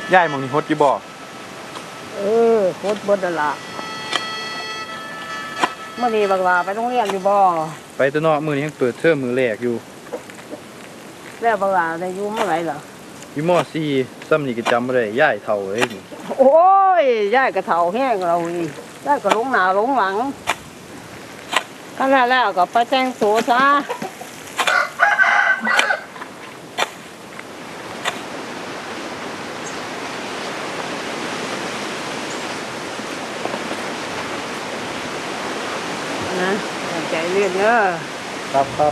ย่ายมองนี่ฮดอยู่บ่โคตรบดละเมื่อนี้บักลาไปโรงเรียนอยู่บ่ไปตัวเนาะมื้อนี้ยังเปิดเทอมมื้อแรกอยู่แล้วบักลาได้อยู่เมื่อไหร่เหรออยู่ม.4 ซ้ำนี่ก็จำบ่ได้ย่ายเฒ่าเอ้ยโอ้ยย่ายกระเฒ่าแห้งเรานี่ย่ายก็หลงหน้าหลงหลังก็แล้วก็ไปแต่งตัวซะนะใจเรียนเนอะครับ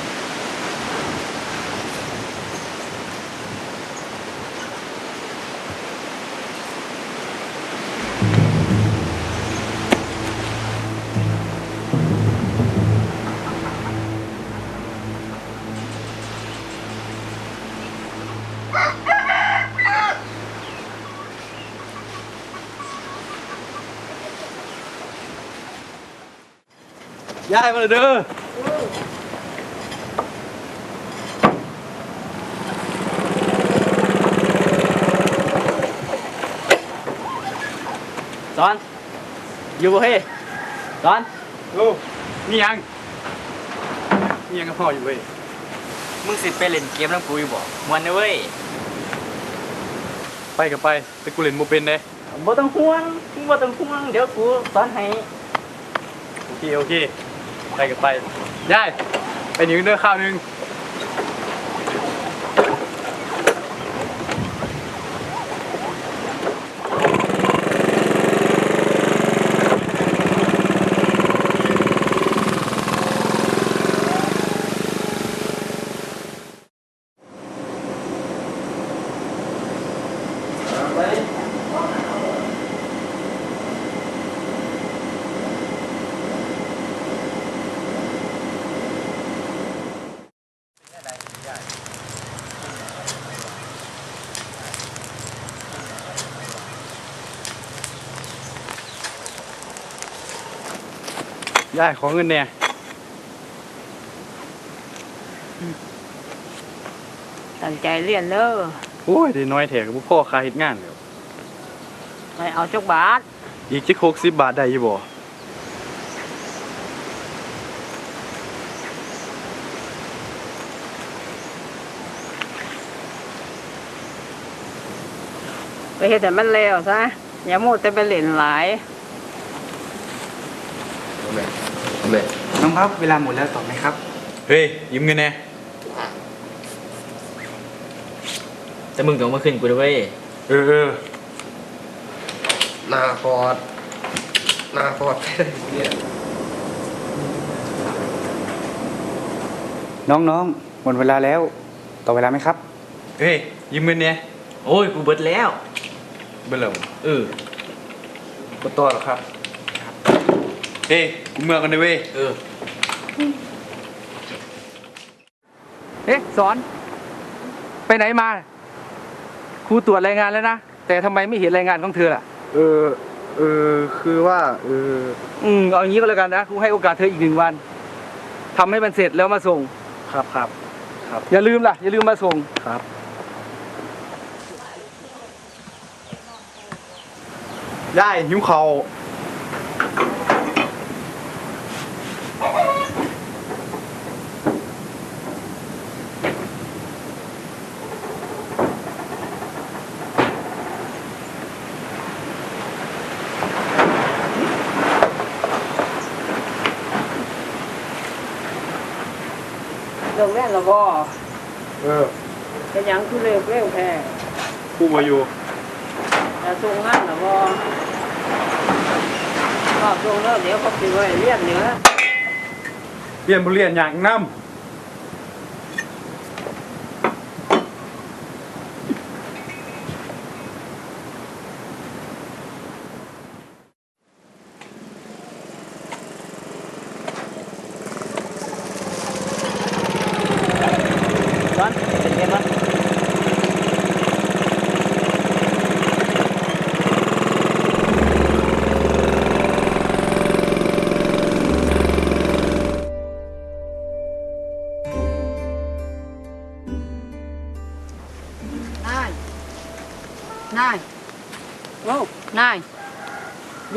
ย่ายมาเลยเด้อสอนอยู่บ่เฮ้สอนนี่ยังกับพ่ออยู่เว้ยมึงสิไปเล่นเกมน้ำกูอยู่บ่ม่วนนะเว้ยไปกับไปแต่กูเล่นบ่เป็นเด้บ่ต้องห่วงมึงบ่ต้องห่วงเดี๋ยวกูสอนให้โอเคไปกับไปย่ายไปหนึ่งเด้อข้าวนึงย่ายขอเงินเนี่ยตั้งใจเรียนเนอะโอ้ยได้น้อยแถกับพ่อค่าเฮ็ดงานแล้วไปเอาจักบาทอีกจัก60 บาทได้อยู่บ่ไปเฮ็ดแต่มันแล้วซะอย่าโมดแต่ไปเล่นหลายน้องครับเวลาหมดแล้วตอบไหมครับเฮ้ยยืมเงินแน่แต่มึงต้องมาขึ้นกูด้วยเว้ยนาคอร์ดเนี่ยน้องหมดเวลาแล้วต่อเวลาไหมครับเฮ้ยยืมเงินเนี่ยโอ้ยกูเบิดแล้วเบิ่แล้วก็ต่อหรอครับเฮ้ยกูเมื่อกันได้เว้ยสอนไปไหนมาครูตรวจรายงานแล้วนะแต่ทำไมไม่เห็นรายงานของเธอล่ะคือว่าเอาอย่างนี้ก็แล้วกันนะครูให้โอกาสเธออีก1 วันทำให้มันเสร็จแล้วมาส่งครับอย่าลืมมาส่งครับย่ายหิวข้าวลงแม่นละบ่เป็นหยังคือเร็วแท้กูมาอยู่แต่ส่งงานละบ่ก็ส่งแล้วเดี๋ยวเขาสิไว้เรียนเหนือเรียนบ่เรียนอย่างนำ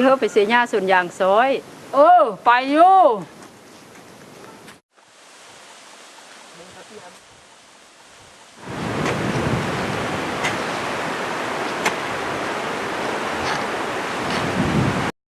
ดี๋ยวเราไปเสียหญ้าส่วนยางซอยเออ ไปอยู่